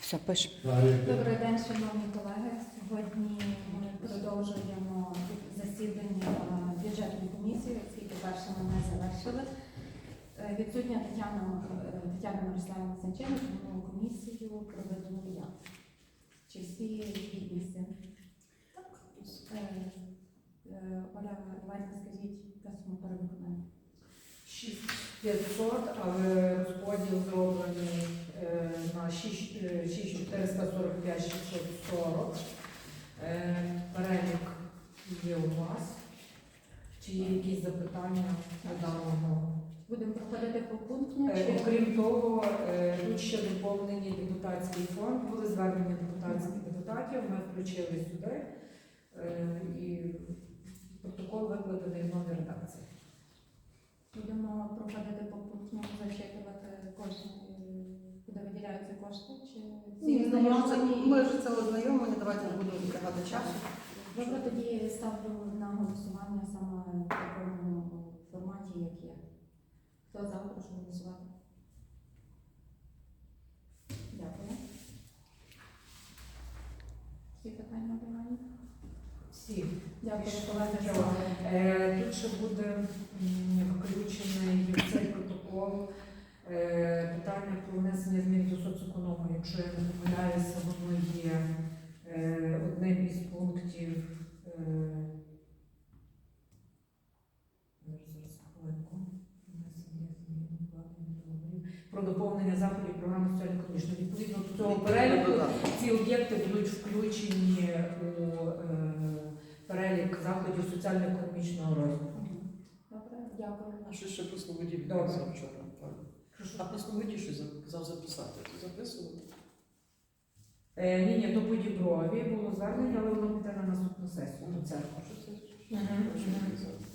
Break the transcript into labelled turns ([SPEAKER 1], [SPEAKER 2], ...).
[SPEAKER 1] Все, пишемо.
[SPEAKER 2] Добрий день, шановні колеги. Сьогодні ми продовжуємо засідання бюджетної комісії, оскільки перше ми не завершили. Відсутня Тетяна Мирославівна Санченко, тому комісію проведено я. Чи всі гідності? Так. Оля, давайте скажіть, яка сума перевиконання?
[SPEAKER 3] 6500, але розподіл зроблений на 6445 640. Перелік є у вас. Чи є якісь запитання до даного?
[SPEAKER 2] Будемо проходити по пункту?
[SPEAKER 3] Окрім того, тут ще доповнені депутатський фонд, були звернення депутатських депутатів, ми включили сюди і протокол викладений в новій редакції.
[SPEAKER 2] Будемо проходити по пункту, зачитувати кожен, куди виділяються кошти? Чи
[SPEAKER 4] Ні,
[SPEAKER 2] всі
[SPEAKER 4] ми вже це ознайомлені, давайте не будемо відтягати часу.
[SPEAKER 2] Добре, тоді ставлю на голосування саме в такому форматі, як є. Хто за, прошу голосувати. Дякую. Всі питання обговорені?
[SPEAKER 3] Всі.
[SPEAKER 2] Дякую, колеги.
[SPEAKER 3] Тут ще буде включений в цей протокол питання про внесення змін до соцеконому. Якщо я не помиляюся, воно є одним із пунктів. Зараз хвилинку. Внесення змін про доповнення заходів програми соціально-економічної. Відповідно до цього переліку ці об'єкти будуть включені у перелік заходів соціально-економічного розвитку.
[SPEAKER 2] Добре, дякую.
[SPEAKER 5] А що ще про Слободі
[SPEAKER 3] Добре.
[SPEAKER 5] відбувся вчора? А про Слободі щось казав записати. Ти записував?
[SPEAKER 3] Ні, то по Діброві було звернення, але воно піде на наступну сесію до церкви.
[SPEAKER 5] Що це?
[SPEAKER 3] Мгм.
[SPEAKER 5] Що це?